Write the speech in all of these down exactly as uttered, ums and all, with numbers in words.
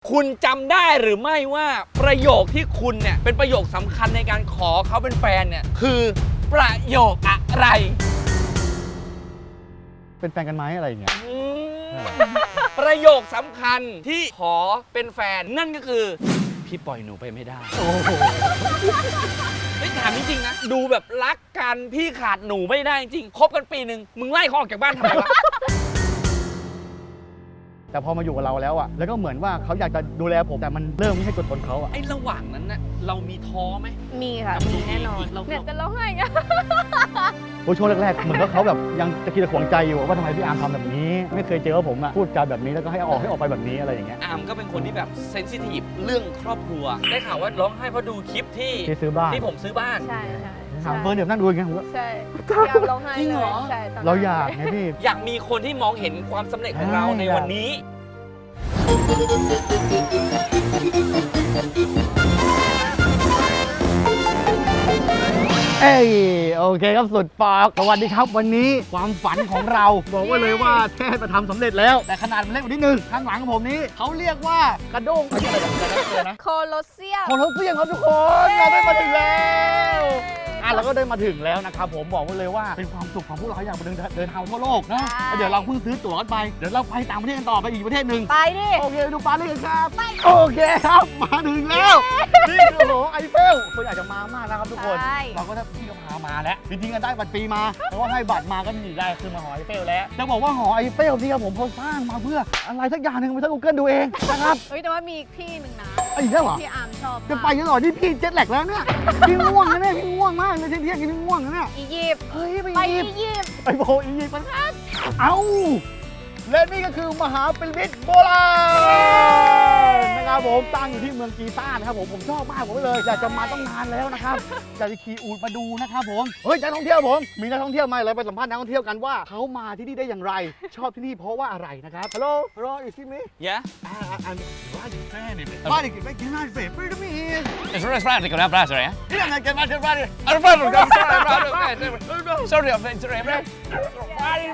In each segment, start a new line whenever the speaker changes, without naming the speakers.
คุณจำได้หรือไม่ว่าประโยคที่คุณเนี่ยเป็นประโยคสำคัญในการขอเขาเป็นแฟนเนี่ยคือประโยคอะไร
เป็นแฟนกันไหมอะไรอย่างเงี้ย
ประโยคสำคัญที่ขอเป็นแฟนนั่นก็คือพี่ปล่อยหนูไปไม่ได้โอ้โหไม่ถามจริงๆนะดูแบบรักกันพี่ขาดหนูไม่ได้จริงคบกันปีหนึ่งมึงไล่เขาออกจากบ้านทำไมวะ
แต่พอมาอยู่กับเราแล้วอะแล้วก็เหมือนว่าเขาอยากจะดูแลผมแต่มันเริ่มไม่ใช่ตัวตนเขาอะ
ไอ้ระหว่างนั้นน่ะเรามีท้อไหม
มีค่ะมีแน่นอนเนี่ยจะร้องไห้ไง
โอ้ช่วงแรกๆเหมือนว่าเขาแบบยังจะคิดจะขวงใจอยู่ว่าทำไมพี่อาร์มทำแบบนี้ไม่เคยเจอผมอะพูดจาแบบนี้แล้วก็ให้ออกให้ออกไปแบบนี้อะไรอย่างเงี้ย
อาร์มก็เป็นคนที่แบบเซนซิทีฟเรื่องครอบครัวได้ข่าวว่าร้องไห้เพราะดูคลิปที่
ที่ซื้อบ้าน
ที่ผมซื้อบ้าน
ใช่ใช่
ถามเฟิร์นเดี๋ยวนั่งดูอย่างเงี้ยผมก็
ใช่อยากร้องไห้
จริงเหรอ
ใช่
เราอยากไงพี่
อยากมีคนที่มองเห็นความสำเร็จของเราในวันนี้
เอ้ยโอเคครับสุดปากสวัสดีครับวันนี้ความฝันของเราบอกไว้เลยว่าแทบจะทำสำเร็จแล้วแต่ขนาดมันเล็กกว่านิดนึงข้างหลังของผมนี้เขาเรียกว่ากระด้งอะไรแบบนี้นะ
โคโลเซียม
โคโลเซียมครับทุกคนเราได้มาถึงแล้วอ่ะเราก็ได้มาถึงแล้วนะครับผมบอกไว้เลยว่าเป็นความสุขของพวกเราอยากไปเดินเดินทางทั่วโลกนะเดี๋ยวเราเพิ่งซื้อตั๋วกันไปเดี๋ยวเราไปต่างประเทศกันต่อไปอีกประเทศหนึ่ง
ไปดิ
โอเคดูปารีสครับโอเคครับมาถึงแล้วนี่คือหอไอเฟลคนอยากจะมามากนะครับทุกคนเราก็ถ้าพี่ก็พามาแล้วจริงๆกันได้บัตรฟรีมาเพราะว่าให้บัตรมาก็มีได้คือมาหอไอเฟลแล้วจะบอกว่าหอไอเฟลนี่ครับผมเขาสร้างมาเพื่ออะไรสักอย่างหนึ่งไปทั้ง Google ดูเองนะครับ
เฮ้ยแต่ว่ามีที่หนึ่งนะ
ไอ้เนี่ยเหรอ
พี่อาร์มชอบ
จะไปยังหรอนี่พี่เจ็ตแลกแล้วเนี่ยพี่ง่วงนะเนี่ยพี่ง่วงมากเลยเที่ยงๆพี่ง่วงนะเนี่ย
อียิปต์
เฮ้ยไป
อี
ยิปต์
ยิปต์
ไปโบอียิปต์มันเอ้าและนี่ก็คือมหาพีระมิดโบราณนะครับผมตั้งอยู่ที่เมืองกีซ่านะครับผมผมชอบมากผมเลยอยากจะมาต้องนานแล้วนะครับอยากจะขี่อูฐมาดูนะครับผมเฮ้ยนักท่องเที่ยวผมมีนักท่องเที่ยวมาเลยไปสัมภาษณ์นักท่องเที่ยวกันว่าเขามาที่นี่ได้อย่างไรชอบที่นี่เพราะว่าอะไรนะครับ Hello Hello you see me
Yeah
I'm right in front of it Right in front of it Pyramid
It's right right right right right right
Yeah I can imagine right
I'm right right right sorry I'm sorry right right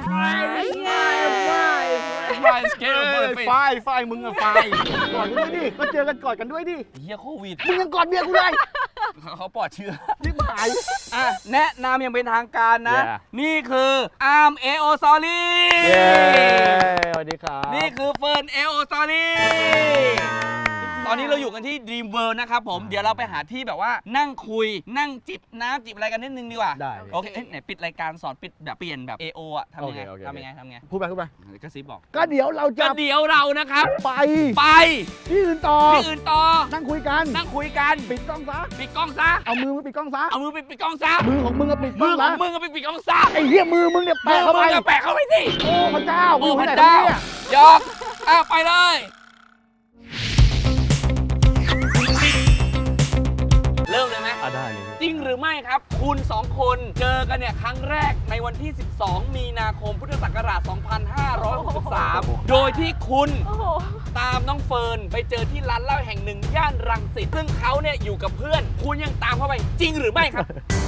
right
right ไฟไฟมึงอะไฟกอดกันด้วยดิก็เจอกันกอดกันด้วยดิ
เฮียโควิด
มึงยังกอดเมียกูเลย
เขาปลอดเชื้อ
รีบหาย
อ่ะแนะนำยังเป็นทางการนะนี่คืออาร์มเอโอซอรี่
สวัสดีครับ
นี่คือเฟิร์นเอโอซอรี่ตอนนี้เราอยู่กันที่ Dream World นะครับผมเดี๋ยวเราไปหาที่แบบว่านั่งคุยนั่งจิบน้ำจิบอะไรกันนิดนึงดีกว่า
ได้
โอเคไหนปิดรายการสอนปิดแบบเปลี่ยนแบบ เอ โอ อ่ะทำยังไงทำยังไงทำยังไง
พูดไปพูดไป
ก็ซิบบอก
ก็เดี๋ยวเราจะ
ก็เดี๋ยวเรานะครับ
ไป
ไป
ที่อื่นต่อ
ที่อื่นต่อ
นั่งคุยกัน
นั่งคุยกัน
ปิดกล้องซะ
ปิดกล้องซะ
เอามือมาปิดกล้องซะ
เอามือไปปิดกล้องซะ
มือของมึงอะปิดกล้อง
มือของมึงอะไปปิดกล้องซะ
ไอ้เหี้ยมือมึงเนี่ยแปะเข้าไป
แปะเข้าไปสิ
โอ้พระเจ้า
โอ้พระเจ้ายอกอ่ะไปเลยเริ่มเลยไหม
อ่ะได้เลย
จริงหรือไม่ครับคุณสองคนเจอกันเนี่ยครั้งแรกในวันที่สิบสองมีนาคมพุทธศักราชสองพันห้าร้อยหกสิบสามโดยที่คุณตามน้องเฟิร์นไปเจอที่ร้านเหล้าแห่งหนึ่งย่านรังสิตซึ่งเขาเนี่ยอยู่กับเพื่อนคุณยังตามเข้าไปจริงหรือไม่ครับ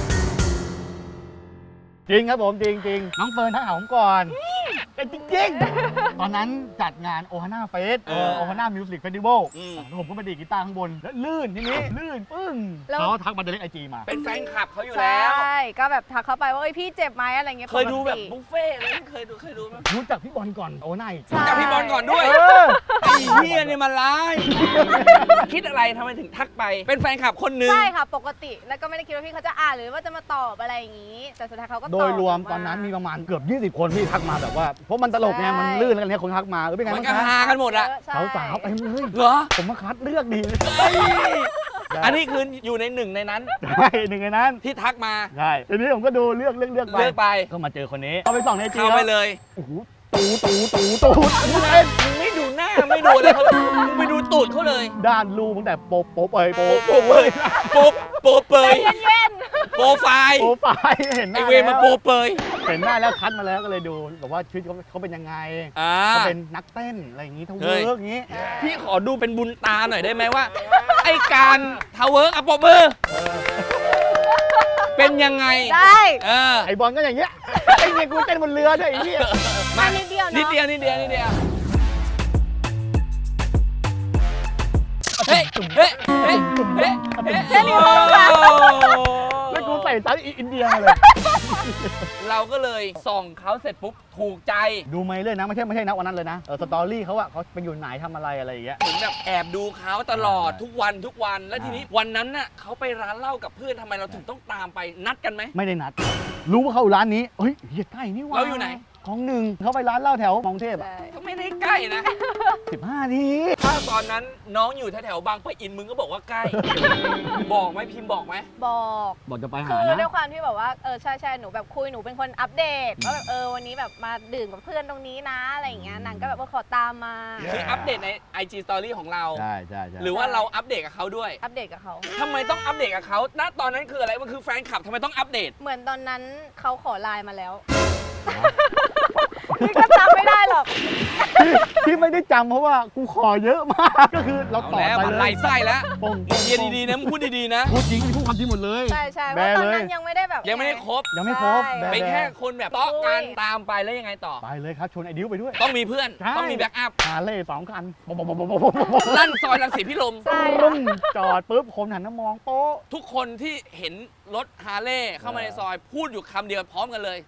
จริงครับผมจริงจริงน้องเฟิร์นทักหาผมก่อนเป็นจริงๆตอนนั้นจัดงานโอฮาน่าเฟสโอฮาน่ามิวสิกเฟสติวัลผมก็มาดีกีตาร์ข้างบนแล้วลื่นทีนี้ลื่นปึ้งเขาทักมาเดเล็กไอจีมา
เป็นแฟนคลับเขาอยู่แล้ว
ใช่ก็แบบทักเข้าไปว่าพี่เจ็บไหมอะไรเงี้ย
เคยดูแบบบุฟเฟ่อะไรเคยดูเคยดูไหม
รู้จักพี่บอลก่อนโอ้นาย
รู้จักพี่บอลก่อนด้วยไอ้เหี้ยเนี่ยมันร้ายคิดอะไรทำไมถึงทักไปเป็นแฟนคลับคนนึง
ใช่ค่ะปกติแล้วก็ไม่ได้คิดว่าพี่เขาจะอ่านหรือว่าจะมาตอบอะไรอย่างนี้แต่สุดท้ายเขาก็ตอบ
โดยรวมตอนนั้นมีประมาณเกือบยี่สิบคนที่ทักมาแบบว่าเพราะมันตลกไงมันลื่นแล้วกันเนี่ยคนทักมาเออเป็นไง
มันก็ฮากันหมดอะ
สาวสาวเต็มเลย
เหรอ
ผมมาคัดเลือกดี
อันนี้คืออยู่ในหนึ่งในนั้น
ใช่หนึ่งในนั้น
ที่ทักมา
ใช่ทีนี้ผมก็ดูเลือกเลือกเลือกไป
เลือกไป
ก็มาเจอคนนี้เข้าไปส่องในจี
เข้าไปเลย
โอ้โหตูตูตูตู
มึงไม่ดูหน้าไม่ดูอะไรเขามึงไปดูตูดเขาเลย
ด้านรูตั้งแต่โป๊ะโป๊ะเปยโป๊ะ
โป๊ะเปยโป๊ะโป๊ะเปยโปรไฟล์
โปรไฟล์เห็นหน้า
ไอเวมาโปรเปย
เห็นหน้าแล้วคัดมาแล้วก็เลยดูแบบว่าชีวิตเขาเขาเป็นยังไงเขาเป็นนักเต้นอะไรอย่างงี้ทาวเวิร์กอย่างงี้
พี่ขอดูเป็นบุญตาหน่อยได้ไหมว่าไอการทาวเวิร์กอะปรบมือเป็นยังไง
ได้
ไอบอลก็อย่างเงี้ยไอเงี้ยกูเต้นบนเรือด้วยไอ้เหี้ย
มานิดเดียว
นิดเดียวนิดเดียวนิดเดียวเฮ้ยเฮ้ยเฮ้ยเฮ้ยเฮ้ย
แค่นี้พอค่ะ
แล้วกูใส่ตัดอินเดียมาเลย
เราก็เลยส่องเขาเสร็จปุ๊บถูกใจ
ดูไหมเลยนะไม่ใช่ไม่ใช่นะวันนั้นเลยนะเออสตอรี่เขาอะเขาไปอยู่ไหนทำอะไรอะไรอย่างเงี้ย
เหมือนแบบแอบดูเขาตลอด
ใช่
ทุกวันทุกวัน แล้ว
ใช่
ทีนี้วันนั้นน่ะเขาไปร้านเหล้ากับเพื่อนทำไมเราถึงต้องตามไปนัดกันไหม
ไม่ได้นัด รู้ว่าเขาอยู่ร้านนี้เฮ้ยเฮียใกล้นี่หว่า
เราอยู่ไหน
ของหนึ่งเขาไปร้านเหล้าแถวมองเทพอะ
ใช่
ก็ไม่ได้ใกล้นะ
สิบห้าที
ถ้าตอนนั้นน้องอยู่แถวๆบางปะอินมึงก็บอกว่าใกล้ บอกไหมพิมพ์บอกไหม
บอก
บอกจะไปหา
คือด้ว
นะ
ยความที่แบบว่าเออใช่ใช่หนูแบบคุยหนูเป็นคนอัปเดตว่าแบบเออวันนี้แบบมาดื่มกับเพื่อนตรงนี้นะอะไรอย่างเงี้ยนางก็แบบว่าขอตามมา
คืออัปเดตใน ไอ จี Story ของเรา
ใช่ใช่ใช่
หรือว่าเราอัปเดตกับเขาด้วย
อัปเดตกับเขา
ทำไมต้องอัปเดตกับเขาณตอนนั้นคืออะไร มันคือแฟนคลับทำไมต้องอัปเดต
เหมือนตอนนั้นเขาขอไลน์มาแล้วนี่ก็จำไม่ได้หรอก
ที่ที่ไม่ได้จำเพราะว่ากูขอเยอะมากก็คือเรา
เอา
ต่อ
แล้ว
ไป
มัน
เล
ไล่
ย
ไส้แล้ว
ปง
มึงเรียนดีๆนะมึงพูดดีๆนะ
พูดจริงพูดความจริงหมดเลย
ใช่ใช่เพ
แบ
ราะตอน
เลย
นั้นยังไม่ได้แบบ
ยังไม่ได้ครบ
ยังไม่ครบ
ใช่
แบ
เป็นแค่คนแบบต๊อกกัน
คุย
ตามไปแล้วยังไงต่อ
ไปเลยครับชวนไอ้ดิวไปด้วย
ต้องมีเพื่อน
ใช่
ต้องมีแบ็กอัพ
ฮาร์เลย์สองคันบบบบบบบ
ลั่นซอยรังสีพิรม
ใช่
ปึ้
ค่ะ
งจอดปุ๊บคนหันมามองโป๊ะ
ทุกคนที่เห็นรถฮาร์เลย์เข้ามาในซอยพูดอยู่คำเดียวพร้อมกันเลย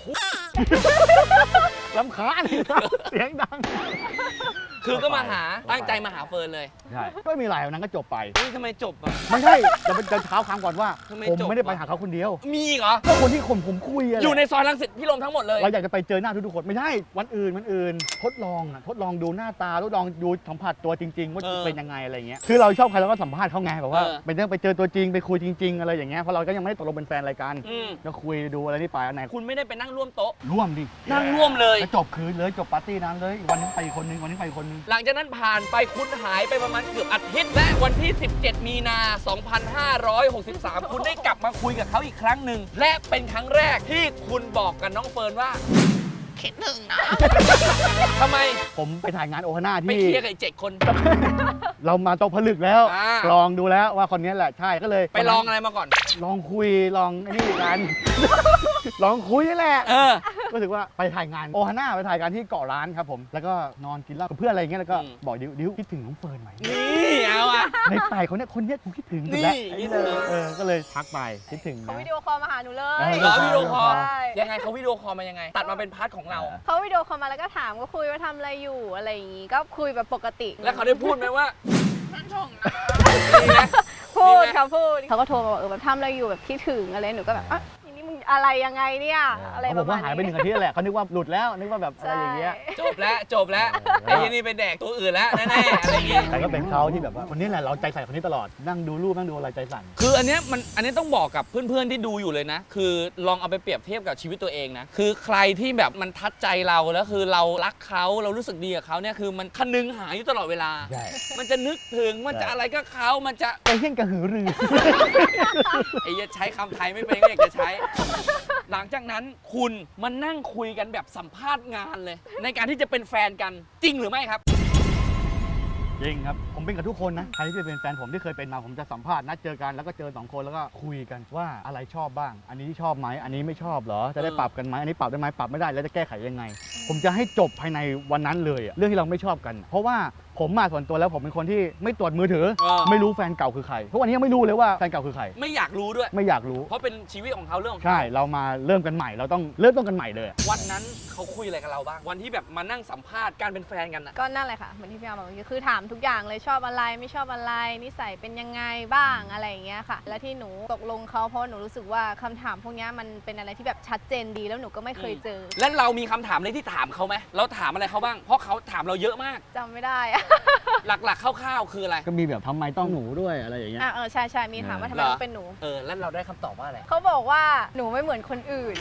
ลำคาญเสียงดัง
คือก็มาหาตั้งใจมาหาเฟิร์นเลย
ใช่ก็ไม่มีอะไรวันนั้นก็จบไป
เฮ้ยทำไมจบอ่ะ
ไม่ใช่จะเป็นจะเท้าความก่อนว่า
ทำไม
ผม
จบ
ไม่ได้ไป
วะ
หาเขาคนเดียว
มีอีกเหรอ
ก็คนที่คนผมคุยอะแหละ
อยู่ในซอยรังสิตพิรมทั้งหมดเลย
เราอยากจะไปเจอหน้าทุกๆคนไม่ใช่วันอื่นวันอื่น ทดลองอะทดลองดูหน้าตาทดลองดูสัมผัสตัวจริง ๆ ว่า
เออ
เป็นยังไงอะไรเงี้ยคือเราชอบใครเราก็สัมภาษณ์เขาไงแบบว่า
เออ
ไปเรื่องไปเจอตัวจริงไปคุยจริง ๆ อะไรอย่างเงี้ยเพราะเราก็ยังไม่ได้ตกลงเป็นแฟนอะไรกัน
อืม
ก็คุยดูอะไรที่ไปอันไหน
คุณไม่ได้ไปนั่งร่วมโต๊ะ
ร่วมดิ
นั่งร่วมเลย
แล้วจบคืนเลยจบปาร์ตี้นั้นเลยวันนึงไปอีกคนนึงวันนึงไปอีกคนนึง
หลังจากนั้นผ่านไปคุณหายไปประมาณเกือบอาทิตย์และวันที่ สิบเจ็ด มีนา สองพันห้าร้อยหกสิบสาม คุณได้กลับมาคุยกับเขาอีกครั้งหนึ่ง และเป็นครั้งแรกที่คุณบอกกับน้องเฟิร์นว่าคิดหนึ่งนะ ทำไม
ผมไปถ่ายงานโอฮาน่า
ไป
ที่
เคลียร์กับไอ้เจ็ดคน
เรามาตกผลึกแล้ว
อ่า
ลองดูแล้วว่าคนนี้แหละใช่ก็เลย
ไปลองอะไรมาก่อน
ลองคุยลองไอ้นี่กัน ลองคุยนี่แหละ
เออ
ก็ถือว่าไปถ่ายงานโอฮาน่าไปถ่ายงานที่เกาะร้านครับผมแล้วก็นอนกินเหล้ากับเพื่อนอะไรอย่างเงี้ยแล้วก็
อืม
บอกดิวดิวคิดถึงน้องเฟิร์นไหม
นี่เอาอะ
ในไปคนเนี้ยคนเนี้ยกูคิดถึงสุด
นี่
แล้ว
คิดถึง
เออก็เลยทักไปคิดถึง
เขา
นะ
วิดีโอคอลมาหาหนูเล
เออ
ย
เหรอวิดีโอคอล
ใช่
ยังไงเขาวิดีโอคอลมายังไง ตัดมาเป็นพาร์ทของเรา
เขาวิดีโอคอลมาแล้วก็ถามก็คุยว่าทำอะไรอยู่อะไรอย่างงี้ก็คุยแบบปกติ
แล้วเขาได้พูดไหมว่านั่นช่องนะมีไหม
พูด
มีไหม
เขาพูดเขาก็โทรมาบอกเออแบบทำอะไรอยู่แบบคิดถึงอะไรหนูก็แบบอ่ะทีนี้มึงอะไรยังไงเนี่ยอะไร
เขา
ป
บอก
ระมา
ว่า
ณ
หายไปหนึ่
นี้
งอาทิตย์แหละเขานึกว่าหลุดแล้วนึกว่าแบบอะไรอย่างเงี้ย
จบแล้วจบแล้ว
เออ
ไอ้ยี่นี่ไปแดกตัวอื่นแล้วแน่ๆอะไรอย่างเงี้ย
แต่ก็เป็นเขาที่แบบว่าคนนี้แหละเราใจใส่คนนี้ตลอดนั่งดูรูปนั่งดูอะไรใจสั่น
คืออันเนี้ยมันอันนี้ต้องบอกกับเพื่อนๆที่ดูอยู่เลยนะ คือลองเอาไปเปรียบเทียบกับชีวิตตัวเองนะ คือใครที่แบบมันทัดใจเราแล้วคือเรารักเขาเรารู้สึกดีกับเขาเนี่ยคือมันคนึงหาอยู่ตลอดเวลา
ใช่
มันจะนึกถึงมันจะอะไรก็เขามันจะ
ไปเฮี้ยนกระหือรือ
ไอ้เหี้ยใช้คำไทยไม่เป็นก็อยากจะใช้ หลังจากนั้นคุณมานั่งคุยกันแบบสัมภาษณ์งานเลย ในการที่จะเป็นแฟนกันจริงหรือไม่ครับ
จริงครับ ผมเป็นกับทุกคนนะ ใครที่เป็นแฟนผมที่เคยเป็นมาผมจะสัมภาษณ์นัดเจอกันแล้วก็เจอสองคนแล้วก็คุยกันว่าอะไรชอบบ้าง อันนี้ชอบไหมอันนี้ไม่ชอบเหรอจะได้
เออ
ปรับกันไหมอันนี้ปรับได้ไหมปรับไม่ได้แล้วจะแก้ไขยังไง ผมจะให้จบภายในวันนั้นเลยอะเรื่องที่เราไม่ชอบกัน เพราะว่าผมมาส่วนตัวแล้วผมเป็นคนที่ไม่ตรวจมือถือ
เออ
ไม่รู้แฟนเก่าคือใครทุกวันนี้ยังไม่รู้เลยว่าแฟนเก่าคือใคร
ไม่อยากรู้ด้วย
ไม่อยากรู้
เพราะเป็นชีวิตของเขาเรื่องของเขา
ใช่เรามาเริ่มกันใหม่เราต้องเริ่มต้นกันใหม่เลยอะ
วันนั้นเขาคุยอะไรกับเราบ้าง วันที่แบบมานั่งสัมภาษณ์การเป็นแฟนกันอะ
ก็นั่นแหละค่ะเหมือนที่พี่อาร์มบอกเมื่อกี้คือถามทุกอย่างเลยชอบอะไรไม่ชอบอะไรนิสัยเป็นยังไงบ้างอะไรอย่างเงี้ยค่ะ และที่หนูตกลงเขาเพราะหนูรู้สึกว่าคำถามพวกเนี้ยมันเป็นอะไรที่แบบชัดเจนดีแล้วหนูก็ไม่เคยเจอ
และเรามีคำถามอะไรที่ถามเขาไหมเราถามอะไรเขาบ้าง เพราะเขาถามเราเยอะมาก
จำไม่ได้อะ
หลักๆคร่าวๆคืออะไร
ก็มีแบบทำไมต้องหนูด้วยอะไรอย่างเงี้ย
อ่ะเออใช่ใช่มีถามว่าทำไม
เหรอ
ต้องเป็นหนู
เออ แล้วเราได้คำตอบว่าอะไร
เขาบอกว่าหนูไม่เหมือนคนอื่น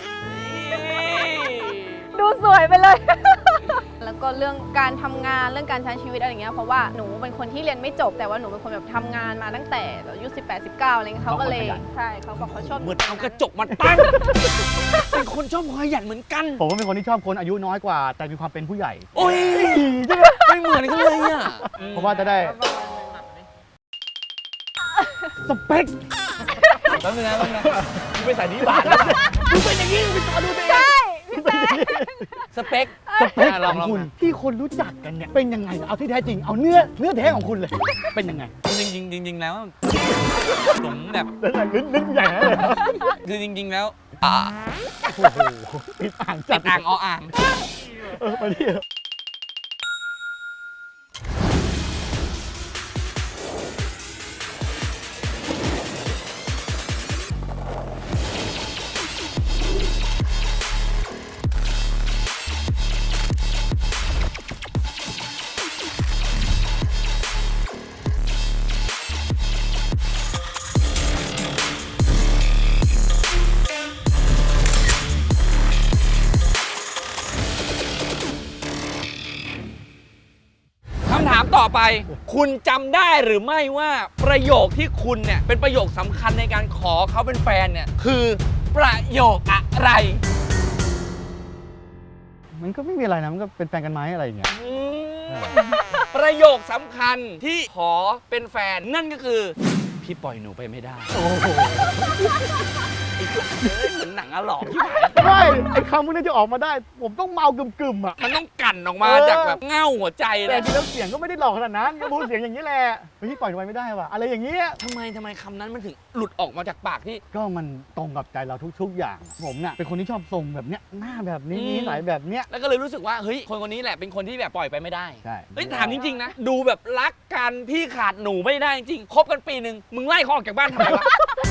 ดูสวยไปเลย แล้วก็เรื่องการทำงานเรื่องการใช้ชีวิตอะไรอย่างเงี้ยเพราะว่าหนูเป็นคนที่เรียนไม่จบแต่ว่าหนูเป็นคนแบบทำงานมาตั้งแต่อายุสิบแปด สิบเก้าอะไรเงี้ยเขาก็เลยใช่เขาบอกเขาชอบ
เหมือนเอากระจกมาตั้ง เป็นคนชอบขยันเหมือนกัน
ผมก็เป็นคนที่ชอบคนอายุน้อยกว่า แต่มีความเป็นผู้ใหญ่
โอ้ยไม่เหมือนกันเลยอ่ะ
เพราะว่าจะได้สเปค
แป๊บนึงนะแป๊บนึงนะกูไปใส่นี้บาทแล้วกูเป็นอย่างนี้กูไปต่อดูตัวเอง
ใช่พี่แต่
สเปค
เอ
สเปค
อ่ะล
ข
อง
อง
ลอง
คุณ
มา
ที่คนรู้จักกันเนี่ยเป็นยังไงเอาที่แท้จริงเอาเนื้อเนื้อแท้ของคุณเลยเป็นยังไง
จริงจริงจริงจริงๆแล้วผมแบบ
แล้วแต่ลิ้นลิ้นใหญ่เลยเหรอ
คือจริง ๆ แล้วอ่า
โอ้โหติดอ่าง
ติ
จัด
ดอ่างออ่าง
เออมาดิ
คำถามต่อไป คุณจำได้หรือไม่ว่าประโยคที่คุณเนี่ยเป็นประโยคสำคัญในการขอเขาเป็นแฟนเนี่ยคือประโยคอะไร
มันก็ไม่มีอะไรนะมันก็เป็นแฟนกันไหมอะไรอย่างเงี้ย
อืมประโยคสำคัญที่ขอเป็นแฟนนั่นก็คือ พี่ปล่อยหนูไปไม่ได้
โอ้โห
ไอ้เอ้ยเหมือนหนังอะหลอกที่ไหน
ไม่ไอ้คำพวกนี้จะออกมาได้ ผมต้องเมากึ่มๆอ่ะ
มันต้องกั่นออกมา
เออ
จากแบบเง่าหัวใจ
แต่
เลย
จริงแล้วเสียงก็ไม่ได้หลอกขนาดนั้นก็พูดเสียงอย่างนี้แหละเฮ้ยปล่อยไว้ไม่ได้ว่ะอะไรอย่างเงี้ย
ทำไมทำไมคำนั้นมันถึงหลุดออกมาจากปากที่
ก็มันตรงกับใจเราทุก ๆ อย่าง ผมเนี่ยเป็นคนที่ชอบทรงแบบเนี้ยหน้าแบบนี้
อืม
นิสัยแบบเนี้ย
แล้วก็เลยรู้สึกว่าเฮ้ยคนคนนี้แหละเป็นคนที่แบบปล่อยไปไม่ได้
ใช่
เฮ้ยถามจริงๆนะ ดูแบบรักกันพี่ขาดหนูไม่ได้จริงๆคบกันปีหนึ่งมึงไล่เขาออกจากบ้านทำไมวะ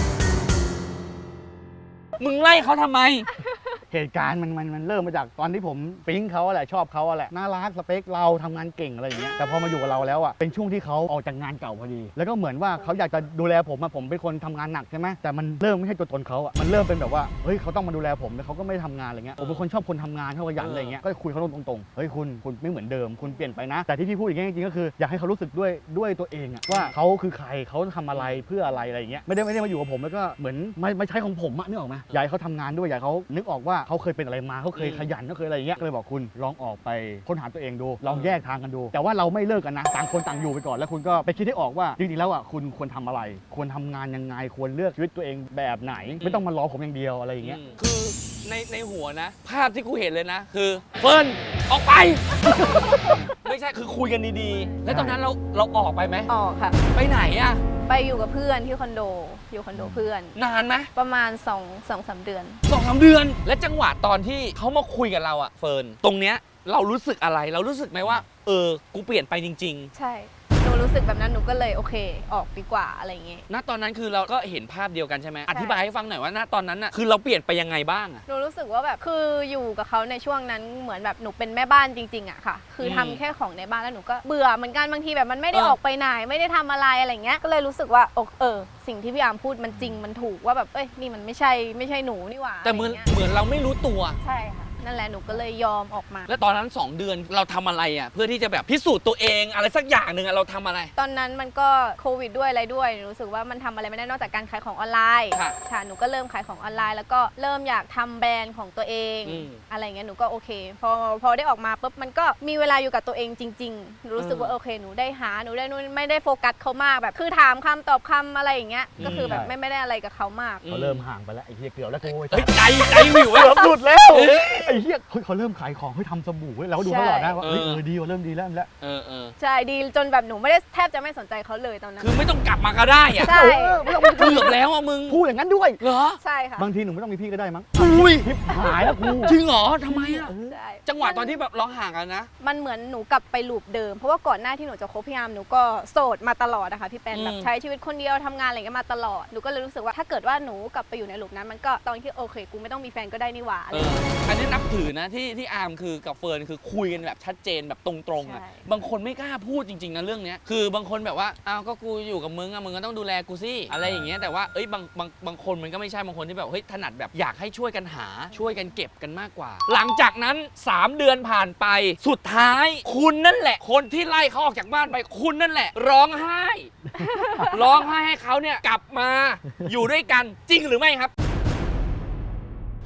มึงไล่เขาทำไม
เหตุการณ์มันมันมันเริ่มมาจากตอนที่ผมปิ๊งเขาอะแหละชอบเขาอะแหละน่ารักสเปคเราทำงานเก่งอะไรอย่างเงี้ยแต่พอมาอยู่กับเราแล้วอะเป็นช่วงที่เขาออกจากงานเก่าพอดี แล้วก็เหมือนว่าเขาอยากจะดูแลผมอะผมเป็นคนทำงานหนักใช่ไหมแต่มันเริ่มไม่ใช่ตัวตนเขาอะมันเริ่มเป็นแบบว่าเฮ้ยเขาต้องมาดูแลผมแล้วเขาก็ไม่ได้ทำงานอะไรเงี้ยผมเป็นคนชอบคนทำงานชอบขยันอะไรเงี้ยก็คุยเขาตรงๆเฮ้ยคุณคุณไม่เหมือนเดิมคุณเปลี่ยนไปนะ แต่ที่พี่พูดอย่างเงี้ยจริงๆก็คืออยากให้เขารู้สึกด้วยด้วยตัวเองอะว่าเขาคือใครเขาทำอะไรเพื่ออะไรอะไรอย่างเงี้ยไม่ได้ไม่ได้มาอยู่กับผมแล้วก็เหมือนไม่ไม่ใช่ของผมอะนึกออกไหมอยากให้เขาทำงานด้วยอยากให้เขานึกออกว่าเขาเคยเป็นอะไรมาเขาเคยขยันเขาเคยอะไรอย่างเงี้ยก็เลยบอกคุณลองออกไปค้นหาตัวเองดูลองแยกทางกันดู แต่ว่าเราไม่เลิกกันนะต่างคนต่างอยู่ไปก่อนแล้วคุณก็ไปคิดให้ออกว่าจริงๆแล้วอ่ะคุณควรทำอะไร ควรทำงานยังไงควรเลือกชีวิตตัวเองแบบไหน ไม่ต้องมารอผมอย่างเดียวอะไรอย่างเงี้ย
อืมคือในในหัวนะ ภาพที่กูเห็นเลยนะ คือเฟิร์นออกไป ไม่ใช่คือคุยกันดีๆ แล้วตอนนั้นเราเราออกไปไหม
ออกค่ะ
ไปไหนอะ
ไปอยู่กับเพื่อนที่คอนโด อยู่คอนโดเพื่อน
นานไหม
ประมาณ2องสองสามเดือน
สองสามเดือน และจังหวะตอนที่เขามาคุยกับเราอะเฟิร์นตรงเนี้ยเรารู้สึกอะไรเรารู้สึกไหมว่า เออกูเปลี่ยนไปจริง
ใช่ หนูรู้สึกแบบนั้นหนูก็เลยโอเค ออกดีกว่าอะไรอย่างเงี้ย
ๆ ณตอนนั้นคือเราก็เห็นภาพเดียวกันใช่ไหมอธิบายให้ฟังหน่อยว่าณตอนนั้นอะคือเราเปลี่ยนไปยังไงบ้างอะ
หนูรู้สึกว่าแบบคืออยู่กับเขาในช่วงนั้นเหมือนแบบหนูเป็นแม่บ้านจริงๆอะค่ะ คือทำ
อืม
แค่ของในบ้านแล้วหนูก็เบื่อเหมือนกันบางทีแบบมันไม่ได้
เออ
ออกไปไหนไม่ได้ทำอะไรอะไรเงี้ย ก็เลยรู้สึกว่าโอเออ สิ่งที่พี่อาร์มพูดมันจริงมันถูกว่าแบบเอ้ยนี่มันไม่ใช่ไม่ใช่หนูนี่หว่า
แต่เหมือน
ะไรงี้ย
เหมือนเราไม่รู้ตัว
ใช่ค่ะ นั่นแหละหนูก็เลยยอมออกมา
แล้วตอนนั้นสองเดือนเราทำอะไรอ่ะเพื่อที่จะแบบพิสูจน์ตัวเองอะไรสักอย่างหนึ่งอะเราทำอะไร
ตอนนั้นมันก็โควิดด้วยอะไรด้วยหนูรู้สึกว่ามันทำอะไรไม่ได้นอกจากการขายของออนไลน์
ค่ะ
ค่ะหนูก็เริ่มขายของออนไลน์ แล้วก็เริ่มอยากทำแบรนด์ของตัวเอง
อืม
อะไรเงี้ยหนูก็โอเค พอพอได้ออกมาปุ๊บมันก็มีเวลาอยู่กับตัวเองจริงๆหนูรู้สึกว่าโอเคหนูได้หาหนูได้นู่นไม่ได้โฟกัสเขามากแบบคือถามคำตอบคำอะไรอย่างเงี้ยก็คือแบบไม่ไม่ได้อะไรกับเขามาก
เขาเริ่มห่างไปแล้วไอ้เหี้ยเกือบแล้วกู
เฮ้ยใจใจวิว
เกื
เว้ย
อบหลุดแล้ว
เอ้ย
ไอ้เหี้ยเฮ้ยเขาเริ่มขายของเฮ้ยทำสบู่เว้ยเราก็ดูตลอดนะว่า
ใช่
เฮ้ยเออดีว่ะเริ่มดีแล้วแล้ว
เออเออ
ใช่ดีจนแบบหนูไม่ได้แทบจะไม่สนใจเขาเลยตอนนั้น
คือไม่ต้องกลับมาก็ได้อ่ะ
ใช่
เออไม่ต้อง
เกือบแล้วอ่ะมึง
พูดอย่างนั้นด้วย
เหรอ
ใช่ค่ะ
บางทีหนูไม่ต้องมีพี่ก็ได้มั้ง
อุ้ย
ทิปหายแล้วกู
จริงเหรอทำไมอ่ะ
ใช่
จังหวะตอนที่แบบเราห่างกันนะ
มันเหมือนหนูกลับไปลูปเดิม เพราะว่าก่อนหน้าที่หนูจะคบพี่อาร์มหนูก็โสดมาตลอดนะคะพี่แปน
อืม
แบบใช้ชีวิตคนเดียวทำงานอะไรเงี้ยมาตลอดหนูก็เลยรู้สึกว่าถ้าเกิดว่าหนูกลับไปอยู่ในลูปนั้นมันก็ตอนที่โอเคกูไม่ต้องมีแฟนก็ได้นี่หว่าอะไร
เอออันนี้นับถือนะที่ที่อาร์มคือกับเฟิร์นคือคุยกันแบบชัดเจนแบบตรงๆอ่ะ
ใช่
บางคนไม่กล้าพูดจริงๆนะเรื่องเนี้ยคือบางคนแบบว่าอ้าวก็กูอยู่กับมึงอ่ะมึงก็ต้องดูแลกูสิอะไรอย่างเงี้ยแต่ว่าเอ้ยบางบางบางคนมันก็ไม่ใช่บางคนที่แบบเฮ้ยถนัดแบบอยากให้ช่วยกันหาช่วยกันเก็บกันมากกว่า หลังจากนั้นสามเดือนผ่านไปสุดท้าย คุณนั่นแหละ คนที่ไล่เขาออกจากบ้านไปคุณนั่นแหละ ร้องไห้ ร้องไห้ให้เขาเนี่ยกลับมาอยู่ด้วยกันจริงหรือไม่ครับ
จ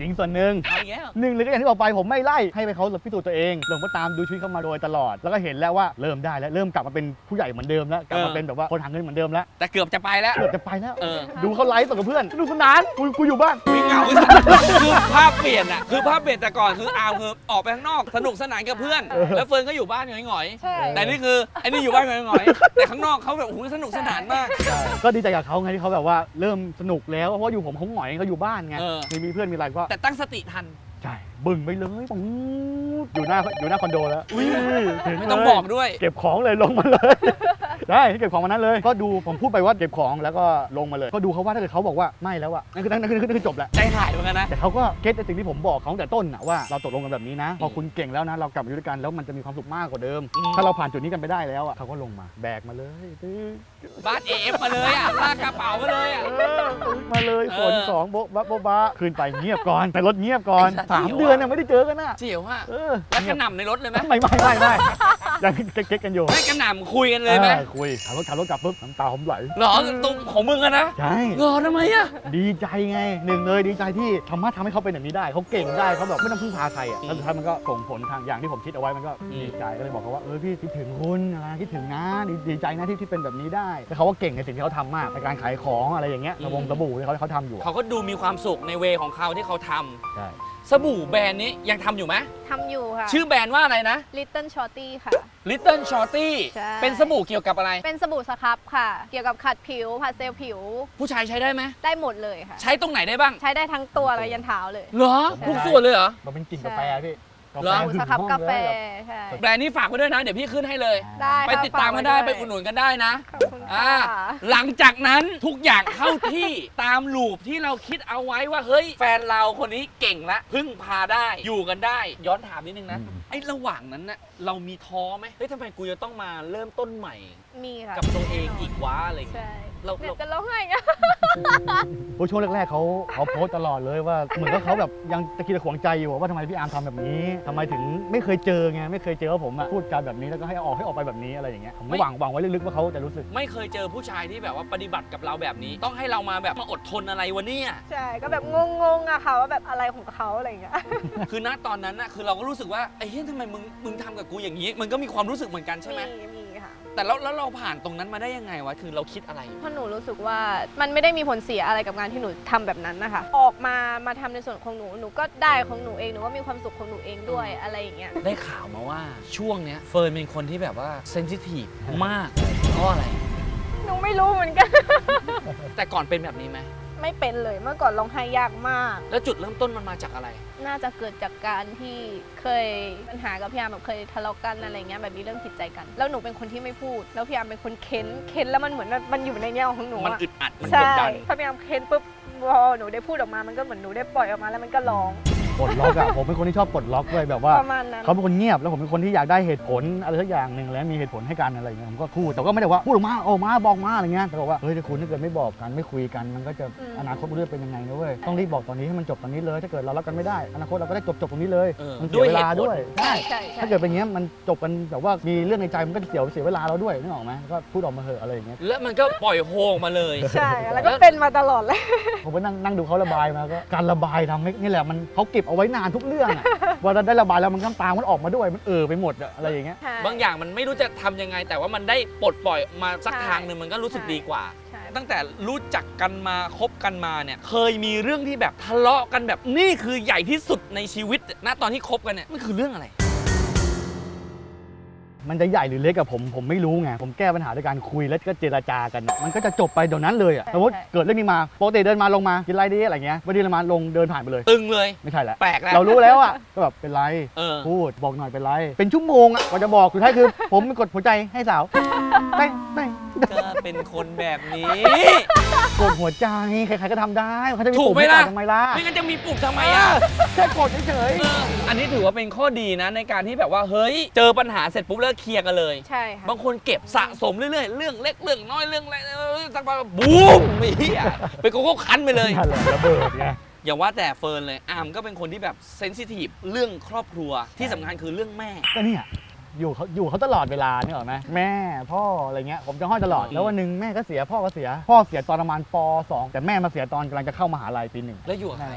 จริงส่วนหนึ่ง
เอาอย่างเงี้ย
หนึ่งเลยก็อย่างที่บอกไปผมไม่ไล่ให้ไปเขาพิสูจน์ตัวเองผมก็ตามดูชีวิตเขามาโดยตลอด แล้วก็เห็นแล้วว่าเริ่มได้แล้วเริ่มกลับมาเป็นผู้ใหญ่เหมือนเดิมแล้วกลับมาเป็นแบบว่าคนหาเงินเหมือนเดิมแล้ว
แต่เกือบจะไปแล้ว
เกือบจะไปแล้ว
เออ
ดูเขาไลฟ์กับเพื่อนสนุกสนานกูกูอยู่บ้าน
วิ่งเหงาคือภาพเปลี่ยนอะคือภาพเปลี่ยนแต่ก่อนคืออาร์มคือออกไปข้างนอกสนุกสนานกับเพื่อน แล้วเฟิร์นก็อยู่บ้านหงอย
ใช่
ๆแต่นี่คือไอ้นี่อยู่บ้านหงอยๆแต่ข้างนอกเขาแบบโอ้โหสนุกสนานมาก
ก็ดีใจกับเขาไงที่เขาแบบว่าเริ่มสนุกแล้วเพราะว่าอยู่ผมเขาหงอยเขาอยู่บ้านไง
เออ
มีมีเพื่อนมีอะไรก็
แต่ตั้งสติทัน
ใช่บึ้งไปเลยปุ๊บอยู่หน้าอยู่หน้าคอนโดแล้ว
อุ๊ย
ถึง
ไม่
เลย
ต้องบอกด้วย
เก็บของเลยลงมาเลย ได้เก็บของมานั้นเลย ก็ดูผมพูดไปว่าเก็บของแล้วก็ลงมาเลย ก็ดูเขาว่าถ้าเกิดเขาบอกว่าไม่แล้วอะนั่นคือนั่นคือนั่นคือจบแล้ว
ใจหายเหมือนกันนะ
แต่เขาก็เก็ตในสิ่งที่ผมบอกเขาตั้งแต่ต้นนะว่าเราตกลงกันแบบนี้นะ พอคุณเก่งแล้วนะเรากลับมาอยู่ด้วยกันแล้วมันจะมีความสุขมากกว่าเดิม
อืม
ถ้าเราผ่านจุดนี้กันไปได้แล้วอะเขาก็ลงมาแบกมาเลยตื้อ
บ้านเอฟมาเลยอะลากกระเป๋ามาเลยอะ
เออตื้อมาเลยฝน
เออ
สองโบ๊ะบะโบ๊ะบะขึ้นไปเงียบก่อนแต่รถเงียบก่อน
ไอ้สัตว์
สาม
เดี๋ยว
เดือนน่ะไม่ได้เจอกันน่ะ
เจียวอะ
เออ
แล้วกระหน่ำในรถเลยไหม
ไม่ไม่ไม่ไม่ยังเก๊กๆกันอยู่
ไม่กระหน่ำคุยกันเลยไหม
ออคุยขับรถขับรถกลับปุ๊บน้ำตาผมไหล
เหรอตรงของมึงอะนะ
ใช่
เหรอทำไมอะ
ดีใจไงหนึ่งเลยดีใจที่สามารถทำให้เขาเป็นแบบนี้ได้เขาเก่งได้เขาแบบไม่ต้องพึ่งพาใครอ่ะแล้วสุดท้ายมันก็ส่งผลทางอย่างที่ผมคิดเอาไว้มันก็ดีใจก็เลยบอกเขาว่าเออพี่คิดถึงคุณนะคิดถึงนะดีดีใจนะที่ที่เป็นแบบนี้ได้แล้วเขาก็เก่งในสิ่งที่เขาทำมากในการขายของอะไรอย่างเงี้ยระวงสบู่ที่เขาเขาทำอยู่อะ
เขาก็ดูมีความสุขในเวของเขาที่เขาทำ
ใช่
สบู่แบรนด์นี้ยังทำอยู่ไหม
ทำอยู่ค่ะ
ชื่อแบรนด์ว่าอะไรนะ
Little Shorty ค่ะ
Little Shorty
ใช่
เป็นสบู่เกี่ยวกับอะไร
เป็นสบู่สครับค่ะ เกี่ยวกับขัดผิวผัดเซลล์ผิว
ผู้ชายใช้ได้ไหม
ได้หมดเลยค่ะ
ใช้ตรงไหนได้บ้าง
ใช้ได้ทั้งตัวและยันเท้าเลย
เหรอ
ใช่
ทุกส่วนเลยเหรอ
มันเป็นกลิ่นกาแฟพี่กา
เหร
แฟ
อ
สบู่
หึ
ส
ง
ครับ
ห้อง
กาแฟ
เลย
ใช่
แบรนด์นี้ฝากไว้ด้วยนะ เดี๋ยวพี่ขึ้นให้เลย
ได้
ไป
ค่ะ
ติดตามกันได้
ฝ
ไป
ว้
อุดหนุนกันได้นะ
ขอบคุณ
อ่า
ค่ะ
หลังจากนั้นทุกอย่างเข้าที่ ตามลูปที่เราคิดเอาไว้ว่าเฮ้ยแฟนเราคนนี้เก่งละพึ่งพาได้อยู่กันได้ ย้อนถามนิดนึงนะ
อืม
ไอ้ระหว่างนั้นน่ะเรามีท้อไหมเฮ้ยทำไมกูจะต้องมาเริ่มต้นใหม่
มีค่ะ
กับตัวเองอีกวะอะไรอย่างเงี้ย
ใช่
เรา
เนี่ย
เรา
จะร้องไห้อะ
โอ้ช่วงแรกๆเขาเขาโพสต์ตลอดเลยว่าเหมือนกับเขาแบบยังตะกี้ตะขวงใจอยู่ว่าทำไมพี่อาร์มทำแบบนี้ทำไมถึงไม่เคยเจอไงไม่เคยเจอว่าผมอะพูดจาแบบนี้แล้วก็ให้ออกให้ออกไปแบบนี้อะไรอย่างเงี้ยผมก็หวังหวังไว้ลึกๆว่าเขาจะรู้สึก
ไม่เคยเจอผู้ชายที่แบบว่าปฏิบัติกับเราแบบนี้ ต้องให้เรามาแบบมาอดทนอะไรวะเนี่ย
ใช่ ก็แบบงงๆอะค่ะว่าแบบอะไรของเขาอะไรอย่างเงี้ย
คือณตอนนั้นน่ะคือเราก็รู้สึกว่าไอ้เฮ้ยทำไมมึงมึงทำกับกูอย่างนี้ มันก็มีความรู้สึกเหมือนกันใช่ไหม
มีมีค่ะ
แต่แล้วแล้วเราผ่านตรงนั้นมาได้ยังไงวะคือเราคิดอะไร
เพราะหนูรู้สึกว่ามันไม่ได้มีผลเสียอะไรกับงานที่หนูทำแบบนั้นนะคะ ออกมามาทำในส่วนของหนู หนูก็ได้ของหนูเอง หนูก็มีความสุขของหนูเองด้วยอะไรอย่างเงี้ย
ได้ข่าวมาว่าช่วงเนี้ยเฟิร์นเป็นคนที่แบบว่าเซนซิทีฟมากเพราะอะไร
หนูไม่รู้เหมือนกัน
แต่ก่อนเป็นแบบนี้ไหม
ไม่เป็นเลย เมื่อก่อนร้องไห้ยากมาก
แล้วจุดเริ่มต้นมันมาจากอะไร
น่าจะเกิดจากการที่เคยปัญหากับพี่อาร์มแบบเคยทะเลาะกันอะไรเงี้ยแบบมีเรื่องผิดใจกัน แล้วหนูเป็นคนที่ไม่พูด แล้วพี่อาร์มเป็นคนเค้น เค้นแล้วมันเหมือนมันอยู่ในแง่ของหนู
มัน
อะ
อึดอัดมันก
ใช่
ดดัน
พอพี่อาร์มเค้นปุ๊บพอหนูได้พูดออกมา มันก็เหมือนหนูได้ปล่อยออกมาแล้วมันก็ร้อง
ปลดล็อกอะผมเป็นคนที่ชอบปลดล็อกด้วยแบบว่า
ประมาณนั้น
เขาเป็นคนเงียบแล้วผมเป็นคนที่อยากได้เหตุผลอะไรสักอย่างหนึ่งแล้วมีเหตุผลให้กันอะไรอย่างเงี้ยผมก็พูดแต่ก็ไม่ได้ว่าพูดออกมาออกมาบอกมาอะไรเงี้ยแต่บอกว่าเฮ้ยถ้าคุณถ้าเกิดไม่บอกกันไม่คุยกันมันก็จะ
อืม
อนาคตมันจะเป็นยังไงนะเว้ยต้องรีบบอกตอนนี้ให้มันจบตอนนี้เลย ถ้าเกิดเรารักกันไม่ได้อนาคตเราก็ได้จบจบตรงนี้เลย
เออ
มันเสียเวลาด้วย
ด้วยเหตุผล
ใช่
ใช่ใช่
ถ้าเกิดเป็นอย่างเงี้ยมันจบกันแบบว่ามีเรื่องในใจมันก็เสียเสียเวลาเราด้วยนึกออกไหมก็พูดออกมาเถอะอะไรอย่างเงี้ย
แล้วมันก็ปล่อยโฮออกมาเลย
ใช่ แล้วก็เป็นมาตลอดเลย
ผมก็นั่งนั่งดูเขาระบายมาก็การระบายทำให้นี่แหละมันเขาเก็บเอาไว้นานทุกเรื่องอะ พอเราได้ระบายแล้วมันน้ำตามันออกมาด้วยมันเออไปหมดอะอะไรอย่างเงี้ย
ใช่
บางอย่างมันไม่รู้จะทำยังไง แต่ว่ามันได้ปลดปล่อยมาสัก
ใช่
ทางหนึ่งมันก็รู้สึก
ใช่
ดีกว่า
ใช่
ตั้งแต่รู้จักกันมาคบกันมาเนี่ยเคยมีเรื่องที่แบบทะเลาะกันแบบนี่คือใหญ่ที่สุดในชีวิตณตอนที่คบกันเนี่ยมันคือเรื่องอะไร
มันจะใหญ่หรือเล็กกับผมผมไม่รู้ไงผมแก้ปัญหาด้วยการคุยแล้วก็เจรจากันอะมันก็จะจบไปเดี๋ยวนั้นเลยอะสมมติเกิดเรื่องนี้มาปกติเดินมาลงมากินไรดีอะไรเงี้ยวันนี้เรามาลงเดินผ่านไปเลย
ตึงเลย
ไม่ใช่แหละ
แปลกแล้ว
เรารู้แล้วอะก็แบบเป็นไร
เออ
พูดบอกหน่อยเป็นไร เป็นชั่วโมงอะกว่าจะบอกสุดท้ายคือ ผมกดหัวใจให้สาวไม่ไม่
ก็เป็นคนแบบนี้
กดหัวใจใครๆก็ทำได้เขาจะมี
ถูก
ปุ่ม
ไหม
ให้
ล่ะ
กดทำไมล่ะ
ไม่งั้นจะมีปลุกทำไมอ่ะ
แค่กดเฉย
เอออันนี้ถือว่าเป็นข้อดีนะในการที่แบบว่าเฮ้ยเจอปัญหาเสร็จปุ๊บเลิกเคลียร์กันเลย
ใช่ค่ะ
บางคนเก็บสะสมเรื่อยๆ เรื่องเล็กเรื่องน้อยเรื่องอะไรเออสักพักบูมไอ้เหี้ยไปโกโก้คันไปเลย
ๆนั่นแหละระเบิดไง
อย่าว่าแต่เฟิร์นเลยอาร์มก็เป็นคนที่แบบเซนซิทีฟเรื่องครอบครัวที่สำคัญคือเรื่องแม่
ก็เนี่ยอยู่เขาอยู่เขาตลอดเวลาเนี่ยหรอไหมแม่พ่ออะไรเงี้ยผมจะห้อยตลอด
อืม
แล้ววันหนึ่งแม่ก็เสียพ่อก็เสีย พ่อเสียตอนประมาณป สองแต่แม่มาเสียตอนกำลังจะเข้ามหาลัยปีหนึ่ง
แล้วอยู่กับใครอะ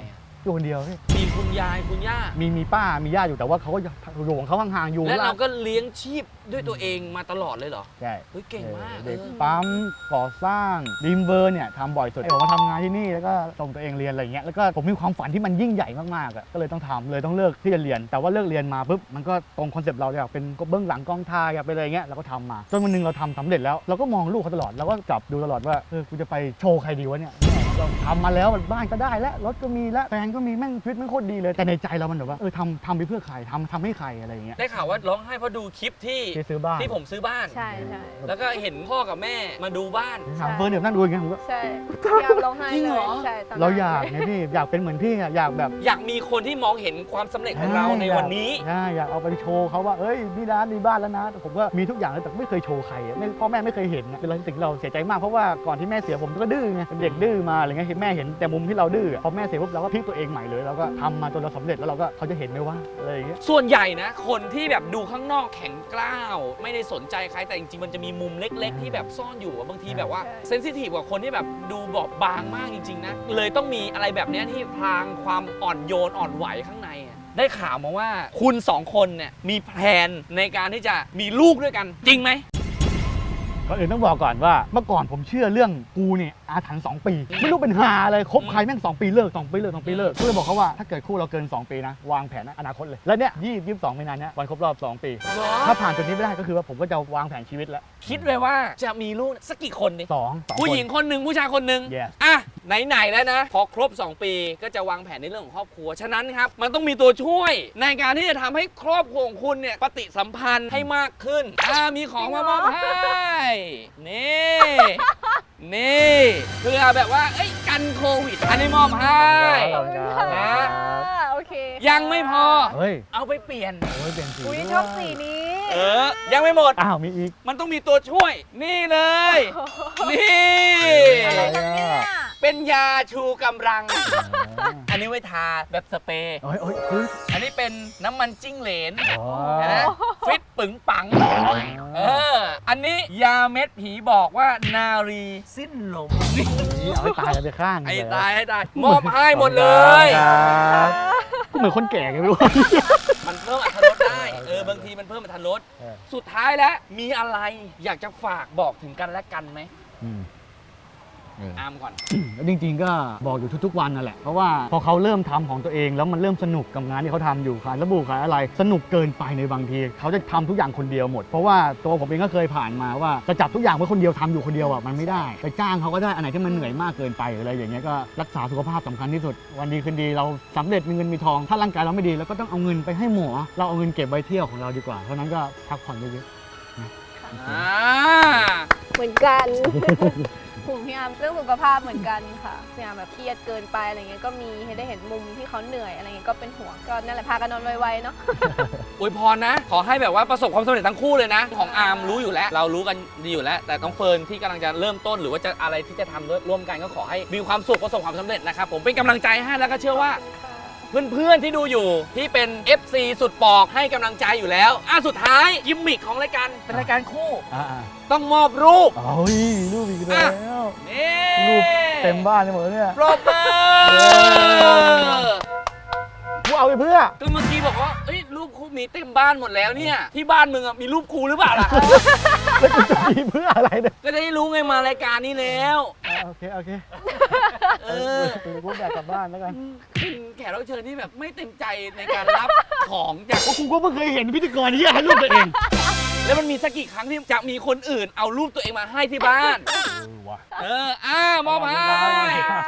อยู่คนเดียวพี่
มีคุณยายคุณย่า
มีมีป้ามีญาติอยู่แต่ว่าเขาก็อยู่ของเขาห่างๆอยู่
และเราก็เลี้ยงชีพด้วยตัวเองมาตลอดเลยเหรอ
ใช่
เฮ้ยเก่งมาก
เด็ก
เออ
ปั๊มก่อสร้างดีมเบอร์เนี่ยทำบ่อยสุดผมมาทำงานที่นี่แล้วก็ส่งตัวเองเรียนอะไรเงี้ยแล้วก็ผมมีความฝันที่มันยิ่งใหญ่มากๆอ่ะก็เลยต้องทำเลยต้องเลิกที่จะเรียนแต่ว่าเลิกเรียนมาปุ๊บมันก็ตรงคอนเซปต์เราอยากเป็นเบื้องหลังกองถ่ายอยากเป็นอะไรเงี้ยเราก็ทำมาจนวันนึงเราทำสำเร็จแล้วเราก็มองลูกเขาตลอดเราก็จับดูตลอดว่าเออกูจะไปโชว์ใครดีวะเนี่ยเราทำมาแล้วบ้านก็ได้แล้วรถก็มีแล้วแฟนก็มีแม่งชีวิตแม่งโคตรดีเลยแต่ในใจเรามันแบบว่าเออทำทำไปเพื่อใครทำทำให้ใครอะไรเงี้ย
ได้ข่าวว่าร้องไห้เพราะดูคลิปที่
ที่ซื้อบ้าน
ที่ผมซื้อบ้าน
ใช่ใช่
แล้วก็เห็นพ่อกับแม่มาดูบ้าน
ถามเฟิร์นเดี๋ยวนั่งดูอย่างเงี้ยผมก็
ใช่อยากร้องไห้
จริง
เล
เหร
ย
อ
ใช่ตอนนั้น
เราอยากไงพี่อยากเป็นเหมือนพี่อะอยากแบบ
อยากมีคนที่มองเห็นความสำเร็จของเราในวันนี้
ใช่อยากเอาไปโชว์เขาว่าเอ้ยนี่ร้านมีบ้านแล้วนะแต่ผมก็มีทุกอย่างเลยแต่ไม่เคยโชว์ใครอะไม่พ่อแม่ไม่เคยเห็นนะเป็นสิ่งที่เราเสียใจมากเพราะว่าก่อนที่แม่เสียผมก็ดื้อไงเป็นเด็กดื้อมาอะไรเงี้ยเห็นแม่เห็นแต่มุมที่เราดื้อพอแม่เสียปุ๊บเราก็พลิกตัวเองใหม่เลยเราก็ทำมาจนเราสำเร็จแล้วเราก็เขาจะเห็นไหมว่าอะไรอย่างเงี้ย
ส่วนใหญ่นะ คนที่แบบดูข้างนอกแข็งกร้าว ไม่ได้สนใจใครแต่จริงๆมันจะมีมุมเล็กๆ ที่แบบซ่อนอยู่อะบางทีแบบว่าเซนซิทีฟกว่าคนที่แบบดูบอบบางมากจริงๆนะเลยต้องมีอะไรแบบเนี้ยที่พรางความอ่อนโยนอ่อนไหวข้างในอะได้ข่าวมาว่าคุณสองคนเนี่ยมีแผนในการที่จะมีลูกด้วยกันจริงไหม
ก่อนอื่นต้องบอกก่อนว่าเมื่อก่อนผมเชื่อเรื่องกูเนี่ยอาถรรพ์สองปี ไม่รู้เป็นหาอะไรคบใครแม่งสองปีเลิกสองปีเลิกสองปีเลิกก็เลยบอกเขาว่าถ้าเกิดคู่เราเกินสองปีนะวางแผนอนาคตเลยแล้วเนี่ยยี่สิบสองมีนาเนี่ยวันครบรอบสองปี ถ้าผ่านจุดนี้ไม่ได้ก็คือว่าผมก็จะวางแผนชีวิตแล้ว
คิดไว้ว่าจะมีลูกสักกี่คนดิ
สองสอง
ผู้หญิงคนหนึ่งผู้ชายคนหนึ่ง
Yes
อ่ะไหนๆแล้วนะ พอครบ สอง ปีก็จะวางแผนในเรื่องของครอบครัว ฉะนั้นครับ มันต้องมีตัวช่วยในการที่จะทำให้ครอบครัวของคุณเนี่ยปฏิสัมพันธ์ให้มากขึ้นอ่ามีของมามอบให้นี่นี่เพื่อแบบว่าเอ้ยกันโควิด อันนี้มอบให้
ขอบคุณครับ
นะ
โอเค
ยังไม่พอ
เฮ้ย
เอาไปเปลี่ยน
โอ้ยเป็นสี
อุ้ย
ด้วย
ชอบสีนี้
เออ ยังไม่หมด
อ้าวมีอีก
มันต้องมีตัวช่วย นี่เลย นี่
อะไรกันเนี่ย
เป็นยาชูกำลัง อันนี้ไว้ทาแบบสเปรย์
โอ้ยโอ้ยเฮ้ย
อันนี้เป็นน้ำมันจิ้งเหลน
อ๋อ
เห็นไหมฟิตปึงปัง เออ อันนี้ยาเม็ดผีบอกว่านารีสิ้นลมนี่
นี่เอาให้ตายกันไปข้าง
ไอ้
เลย
ตายให้ตาย มอบให้หมดเลย
ครับก็เหมือนคนแก่ไงไม่รู้
มันเพิ่มอรรถรสได้ เออ บางทีมันเพิ่มอรรถรส
เออ
สุดท้ายแล้ว มีอะไรอยากจะฝากบอกถึงกันและกันไหม
อืมเออ
อามก่อน
แล้วจริงๆก็บอกอยู่ทุกๆวันนั่นแหละเพราะว่าพอเขาเริ่มทำของตัวเองแล้วมันเริ่มสนุกกับงานที่เขาทำอยู่ขายสบู่ขายอะไร สนุกเกินไปในบางทีเขาจะทำทุกอย่างคนเดียวหมด เพราะว่าตัวผมเองก็เคยผ่านมาว่าจะจับทุกอย่างไว้คนเดียวทำอยู่คนเดียวอ่ะมันไม่ได้ไปจ้างเขาก็ได้อันไหนที่มันเหนื่อยมากเกินไปหรืออะไรอย่างเงี้ยก็รักษาสุขภาพสำคัญที่สุดวันดีคืนดีเราสำเร็จมีเงินมีทองถ้าร่างกายเราไม่ดีเราก็ต้องเอาเงินไปให้หมอเราเอาเงินเก็บไว้เที่ยวของเราดีกว่าเพราะนั้นก็พักผ่อนเยอะ
อ่า
เหมือนกันผมพี่อาร์มเรื่องสุขภาพเหมือนกันค่ะพี่อาร์มแบบเครียดเกินไปอะไรเงี้ยก็มีให้ได้เห็นมุมที่เขาเหนื่อยอะไรเงี้ยก็เป็นห่วงก็นั่นแหละพากันนอนไวๆเนาะ
อวยพรนะ ขอให้แบบว่าประสบความสำเร็จทั้งคู่เลยนะ ของอาร์มรู้อยู่แล้ว เรารู้กันดีอยู่แล้ว แต่ต้องเฟิร์นที่กำลังจะเริ่มต้นหรือว่าจะอะไรที่จะทำด้วยร่วมกันก็ขอให้มีความสุขประสบความสำเร็จนะครับผมเป็นกำลังใจให้แล้วก็เชื่อว่า เพื่อนๆที่ดูอยู่ที่เป็น เอฟ ซี สุดปอกให้กำลังใจอยู่แล้วอ่ะสุดท้ายกิมมิคของรายการเป็นรายการคู่
ๆอ่า
ต้องมอบรูป
ๆโอ้ยรูปอีกแล้ว
นี่
รูปเต็มบ้านไปหมดเลยเนี่ย
ปรบมือ
กูเอาไปเพื่อ
ก็เมื่อกี้บอกว่าเอ้ยรูปครูมีเต็มบ้านหมดแล้วเนี่ยที่บ้านมึงอะมีรูปครูหรือเปล่าล่ะ
แล้วกูจะมีเพื่ออะไรเนี่ย
ก็จะได้รู้ไงมารายการนี้แล้ว
อ่าโอเค โอเค
เออ
เออกูอยากกลับบ้านแล้วกัน
เป็นแขกรับเชิญที่แบบไม่เต็มใจในการรับของจาก
กูก็เพิ่งเคยเห็นพิธีกรที่ให้รูปตัวเอง
แล้วมันมีสักกี่ครั้งที่จะมีคนอื่นเอารูปตัวเองมาให้ที่บ้าน
เออว่ะ
เอออ้ามอบให้
ขอบคุณครับ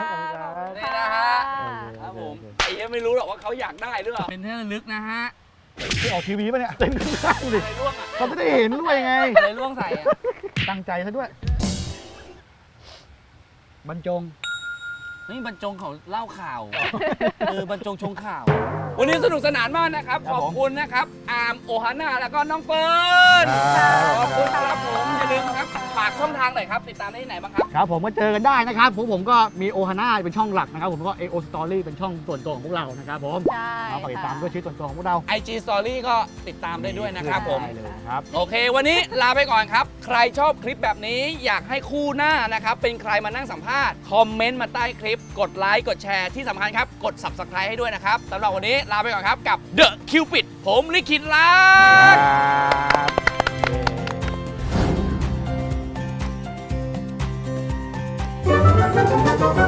นี่นะฮะครับผมไอ้ยังไม่รู้หรอกว่าเขาอยากได้หรือเปล่าเป็นที่ระลึกนะฮะ
ที่ออกทีวีป่ะเนี่ยเต็มข้างดิ
อะไรร่วงอะ
เขาจะได้เห็นด้วยไง
อะไรร่วงใส่อะ
ตั้งใจซะด้วย บรรจง
นี่บรรจงเขาเล่าข่าวเออบรรจงชงข่าว วันนี้สนุกสนานมากนะครับ
ครั
ข
บ
อบ
ผม
คุณนะครับ อาร์มโอฮาน่าแล้วก็น้องเฟิร์น
ครับ
ขอบคุณครับผมอย่าลืมนะครับฝากากช่องทางหน่อยครับติดตามได้ที่ไหนบ้างครับ
ครับผมก็เจอกันได้นะครับผมผมก็มีโอฮาน่าเป็นช่องหลักนะครับผมก็ เอ โอ Story เป็นช่องส่วนตัวของพวกเรานะครับผม
ใช่
เอาไปติดตาม
ค่ะ
ด้วยชีวิตส่วนตัวของพวกเรา
ไอ จี Story ก็ติดตามได้ด้วยนะครับผม
ได้เลยครับ
โอเค วันนี้ลาไปก่อนครับ ใครชอบคลิปแบบนี้อยากให้คู่หน้านะครับ เป็นใครมานั่งสัมภาษณ์ คอมเมนต์มาใต้คลิป กดไลค์ กดแชร์ที่สำคัญครับ กด Subscribe ให้ด้วยนะครับสำหรับวันนี้ลาไปก่อนครับกับ The Cupid ผมลิขิตรัก
ครับ